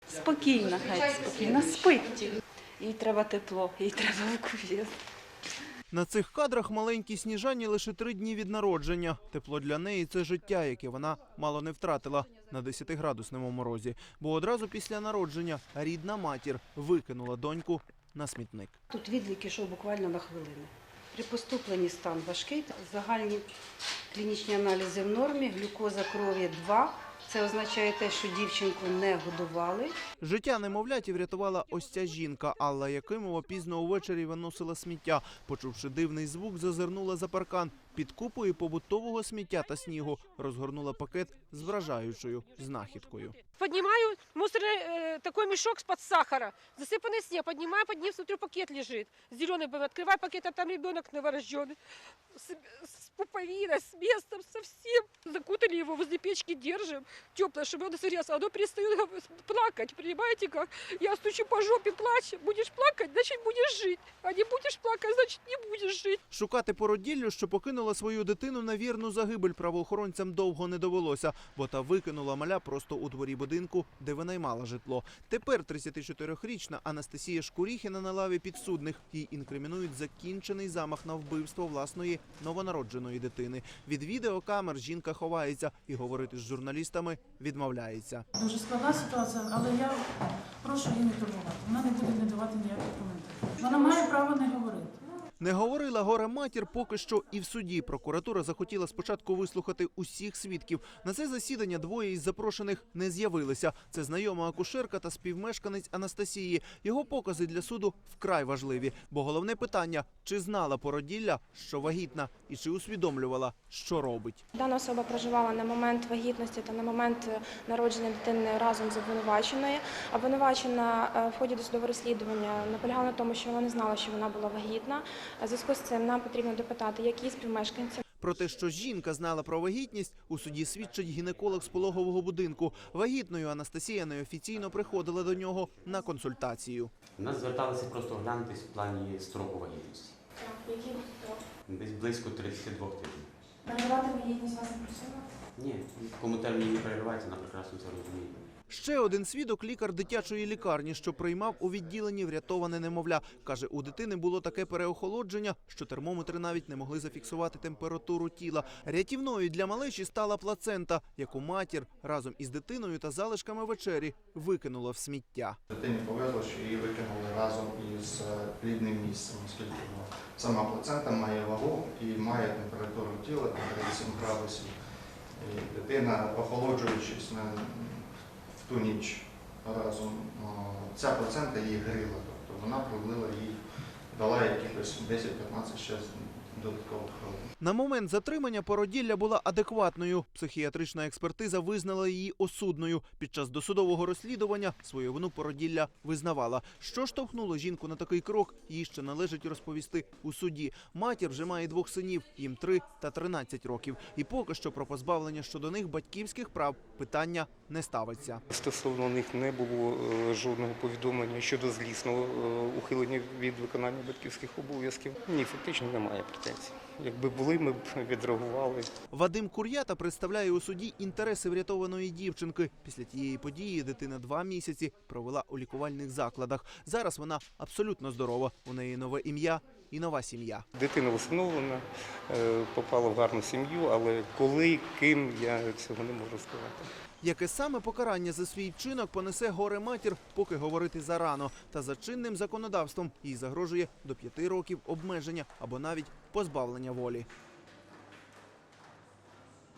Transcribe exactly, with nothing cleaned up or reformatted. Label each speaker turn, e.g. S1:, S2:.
S1: Спокійна, хай спокійна, спить. Їй треба тепло, їй треба укусів.
S2: На цих кадрах маленькій Сніжані лише три дні від народження. Тепло для неї – це життя, яке вона мало не втратила на десятиградусному морозі. Бо одразу після народження рідна матір викинула доньку на смітник.
S1: Тут відлік ішов буквально на хвилину. При поступленні стан важкий, загальні клінічні аналізи в нормі, глюкоза крові два. Це означає те, що дівчинку не годували.
S2: Життя немовляті врятувала ось ця жінка. Алла Якимова пізно увечері виносила сміття. Почувши дивний звук, зазирнула за паркан. Під купою побутового сміття та снігу розгорнула пакет з вражаючою знахідкою.
S3: Поднимаю мусорный э, такой мешок с-под сахара, засыпанный снег, поднимаю, под ним, смотрю, пакет лежит, зеленый был, открываю пакет, а там ребенок новорожденный, с, с пуповиной, с местом, совсем. Закутали его, возле печки держим, теплое, чтобы он согрелся, оно перестает плакать, понимаете как? Я стучу по жопе, плачу, будешь плакать, значит будешь жить, а не будешь плакать, значит не будешь жить.
S2: Шукати породіллю, що покинула свою дитину на вірну загибель, правоохоронцям довго не довелося, бо та викинула маля просто у дворі будинку, де винаймала житло. Тепер тридцятичотирирічна Анастасія Шкуріхіна на лаві підсудних. Їй інкримінують закінчений замах на вбивство власної новонародженої дитини. Від відеокамер жінка ховається і говорити з журналістами відмовляється.
S4: Дуже складна ситуація, але я прошу її не турбувати. Вона не буде не давати ніяких коментарів. Вона має право не говорити.
S2: Не говорила горе-матір поки що і в суді. Прокуратура захотіла спочатку вислухати усіх свідків. На це засідання двоє із запрошених не з'явилися. Це знайома акушерка та співмешканець Анастасії. Його покази для суду вкрай важливі. Бо головне питання – чи знала породілля, що вагітна, і чи усвідомлювала, що робить.
S5: Дана особа проживала на момент вагітності та на момент народження дитини разом з обвинуваченою. Обвинувачена в ході досудового розслідування наполягала на тому, що вона не знала, що вона була вагітна. У зв'язку з цим нам потрібно допитати, які співмешканці.
S2: Про те, що жінка знала про вагітність, у суді свідчить гінеколог з пологового будинку. Вагітною Анастасія неофіційно приходила до нього на консультацію.
S6: У нас зверталися просто оглянутися в плані строку вагітності.
S5: Які строк?
S6: Десь близько тридцяти двох тижнів.
S5: Переривати вагітність вас не просила?
S6: Ні, в кому терміні не переривається, вона прекрасно це розуміє.
S2: Ще один свідок – лікар дитячої лікарні, що приймав у відділенні врятоване немовля. Каже, у дитини було таке переохолодження, що термометри навіть не могли зафіксувати температуру тіла. Рятівною для малечі стала плацента, яку матір разом із дитиною та залишками вечері викинула в сміття.
S7: Дитині повезло, що її викинули разом із плідним місцем, оскільки сама плацента має вагу і має температуру тіла тридцять сім градусів. І дитина, охолоджуючись на в ту ніч разом, ця плацента її гріла, тобто вона пролила їй, дала якихось десять-п'ятнадцять ще додаткових хвилин.
S2: На момент затримання породілля була адекватною. Психіатрична експертиза визнала її осудною. Під час досудового розслідування свою вину породілля визнавала. Що штовхнуло жінку на такий крок, їй ще належить розповісти у суді. Матір вже має двох синів, їм три та тринадцять років. І поки що про позбавлення щодо них батьківських прав питання не ставиться.
S8: Стосовно них не було жодного повідомлення щодо злісного ухилення від виконання батьківських обов'язків. Ні, фактично немає претензій. Якби були, ми б відреагували.
S2: Вадим Кур'ята представляє у суді інтереси врятованої дівчинки. Після тієї події дитина два місяці провела у лікувальних закладах. Зараз вона абсолютно здорова. У неї нове ім'я і нова сім'я.
S8: Дитина усиновлена, попала в гарну сім'ю, але коли, ким, я цього не можу сказати.
S2: Яке саме покарання за свій вчинок понесе горе-матір, поки говорити зарано. Та за чинним законодавством їй загрожує до п'яти років обмеження або навіть позбавлення волі.